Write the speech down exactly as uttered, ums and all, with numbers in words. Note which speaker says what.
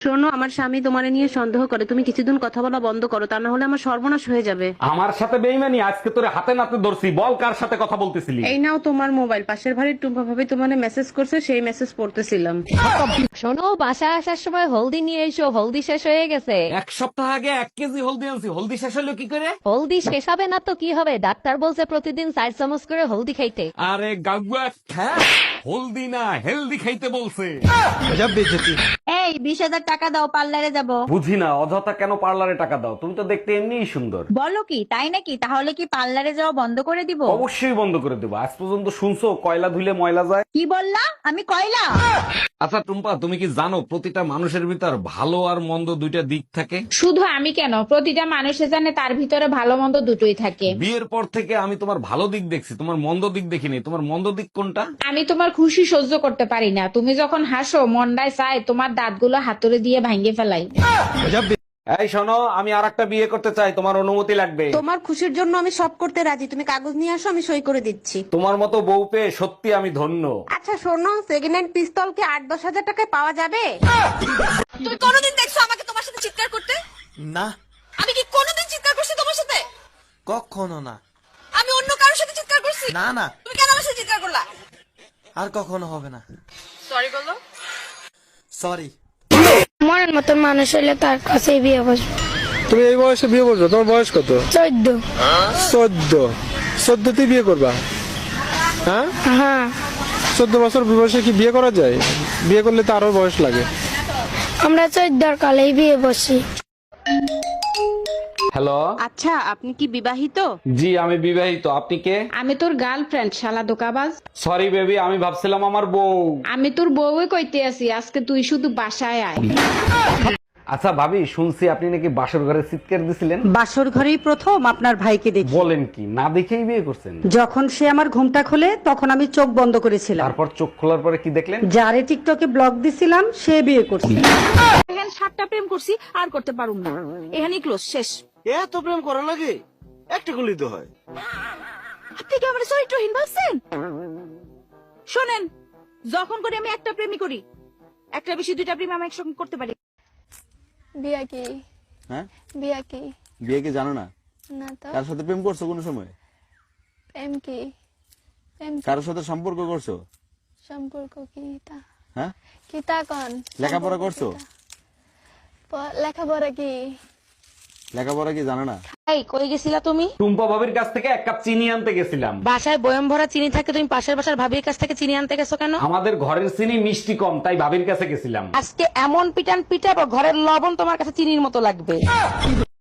Speaker 1: শোনো, আমার স্বামী তোমারে নিয়ে সন্দেহ করে, তুমি কিছুদিন কথা বলা বন্ধ করো, তা না হলে আমার সর্বনাশ হয়ে যাবে।
Speaker 2: আমার সাথে বেইমানি, আজকে তোরে হাতে নাতে ধরছি। বল কার সাথে কথা বলতেছিলি?
Speaker 1: এই নাও তোমার মোবাইল, পাশের বাড়ির টুম্পা ভাবি তোমারে মেসেজ করছে, সেই মেসেজ পড়তেছিলাম।
Speaker 3: শোনো, বাসায় আসার সময় হলদি নিয়ে এসো, হলদি শেষ হয়ে গেছে।
Speaker 2: এক সপ্তাহ আগে এক কেজি হলদি আনছি, হলদি শেষ হলো কি করে?
Speaker 3: হলদি শেষ হবে না তো কি হবে, ডাক্তার বলছে প্রতিদিন চার চামচ করে হলদি খাইতে।
Speaker 2: আরে গাগুয়া খ্যা, হলদি না হেলদি খাইতে বলছে।
Speaker 4: এই বিশ হাজার টাকা দাও, পার্লারে যাব।
Speaker 2: বুঝি না অযথা কেন পার্লারে টাকা দাও, তুমি তো দেখতে এমনিই সুন্দর।
Speaker 4: বলো কি, তাই নাকি? তাহলে কি পার্লারে যাওয়া বন্ধ করে দিব?
Speaker 2: অবশ্যই বন্ধ করে দেবো। আজ পর্যন্ত শুনছো কয়লা ধুলে ময়লা যায়?
Speaker 4: কি বললা? আমি কয়লা?
Speaker 2: আচ্ছা টুম্পা, তুমি কি জানো প্রতিটা মানুষের ভিতর ভালো আর মন্দ দুইটা দিক থাকে?
Speaker 5: শুধু আমি কেন, প্রতিটা মানুষে জানে তার ভিতরে ভালো মন্দ দুটোই থাকে।
Speaker 2: বিয়ের পর থেকে আমি তোমার ভালো দিক দেখছি, তোমার মন্দ দিক দেখিনি। তোমার মন্দ দিক কোনটা?
Speaker 5: আমি তোমার খুশি সহ্য করতে পারি না। তুমি যখন হাসো মন্ডায় চায় তোমার দাঁতগুলো হাতুড়ে দিয়ে ভাঙ্গে ফেলাই।
Speaker 2: এই শোনো, আমি আর একটা বিয়ে করতে চাই, তোমার অনুমতি লাগবে।
Speaker 1: তোমার খুশির জন্য আমি সব করতে রাজি, তুমি কাগজ নিয়ে আসো, আমি সই করে দিচ্ছি।
Speaker 2: তোমার মতো বউ পেয়ে সত্যি আমি ধন্য।
Speaker 1: আচ্ছা শোনো, সেকেন্ড হ্যান্ড পিস্তল কি আট দশ হাজার টাকায় পাওয়া যাবে?
Speaker 6: তুমি কোনোদিন দেখছো আমাকে তোমার সাথে চিৎকার করতে?
Speaker 7: না,
Speaker 6: আমি কি কোনোদিন চিৎকার করছি তোমার সাথে?
Speaker 7: কখনো না।
Speaker 6: আমি অন্য কারোর সাথে চিৎকার করছি?
Speaker 7: না না,
Speaker 6: তুমি কেন আমার সাথে চিৎকার করলা?
Speaker 7: আর কখনো হবে না।
Speaker 6: সরি বলো।
Speaker 7: সরি।
Speaker 8: মনের মতো মানুষ হলে তার কাছেই বিয়ে বসবো।
Speaker 9: তুমি এই বয়সে বিয়ে করছো? তোমার বয়স কত?
Speaker 8: চোদ্দ।
Speaker 9: চোদ্দ? চোদ্দতে বিয়ে করবা? হ্যাঁ,
Speaker 8: হ্যাঁ।
Speaker 9: চোদ্দ বছর বয়সে কি বিয়ে করা যায়? বিয়ে করলে তো আরো বয়স লাগে।
Speaker 8: আমরা চোদ্দর কালেই বিয়ে বসি।
Speaker 2: হ্যালো।
Speaker 1: আচ্ছা, আপনি কি বিবাহিত?
Speaker 2: জি আমি বিবাহিত। আপনি কে?
Speaker 5: আমি তোর গার্লফ্রেন্ড, শালা দোকাবাজ।
Speaker 2: সরি বেবি, আমি ভাবছিলাম আমার বউ।
Speaker 5: আমি তোর বউই কইতে আছি, আজকে তুই শুধু বাসায় আয়।
Speaker 2: আচ্ছা ভাবি, শুনছি আপনি নাকি বাসর ঘরে চিৎকার দিছিলেন।
Speaker 10: বাসর ঘরেই প্রথম আপনার ভাইকে দেখি।
Speaker 2: বলেন কি, না দেখেই বিয়ে করছেন?
Speaker 10: যখন সে আমার ঘুমটা খোলে তখন আমি চোখ বন্ধ করেছিলাম।
Speaker 2: তারপর চোখ খোলার পরে কি দেখলেন?
Speaker 10: যারে টিকটকে ব্লক দিছিলাম সে বিয়ে করছে।
Speaker 6: এখানে সাতটা প্রেম করছি, আর করতে পারুম না। এখানে ক্লোজ, শেষ।
Speaker 7: এত প্রেম করা লাগে? একটা গুলি তো হয়।
Speaker 6: আপনি কি আমার চরিত্রহীন ভাবছেন? শোনেন, যখন করে আমি একটা প্রেমই করি, একটা বেশি দুইটা প্রেম আমি একসঙ্গে করতে পারি।
Speaker 8: বিয়া কি?
Speaker 7: হ্যাঁ,
Speaker 8: বিয়া কি?
Speaker 7: বিয়ে কি জানো না?
Speaker 8: না তো।
Speaker 7: কার সাথে প্রেম করছো কোনো সময়?
Speaker 8: প্রেম কি? প্রেম কি?
Speaker 7: কারোর সাথে সম্পর্ক করছো?
Speaker 8: সম্পর্ক কি তা?
Speaker 7: হ্যাঁ,
Speaker 8: কি তা কন?
Speaker 7: লেখাপড়া করছো?
Speaker 8: প- লেখাপড়া কি?
Speaker 7: লেখাপড়া কি জানো না?
Speaker 1: এই কই গেছিলা তুমি?
Speaker 2: টুম্পা ভাবির কাছ থেকে এক কাপ চিনি আনতে গেছিলাম।
Speaker 1: বাসায় বয়ম ভরা চিনি থাকে, তুমি পাশের বাসার ভাবির কাছ থেকে চিনি আনতে গেছো কেন?
Speaker 2: আমাদের ঘরের চিনি মিষ্টি কম, তাই ভাবির কাছে গেছিলাম।
Speaker 1: আজকে এমন পিটান পিটাবো, ঘরের লবণ তোমার কাছে চিনির মতো লাগবে।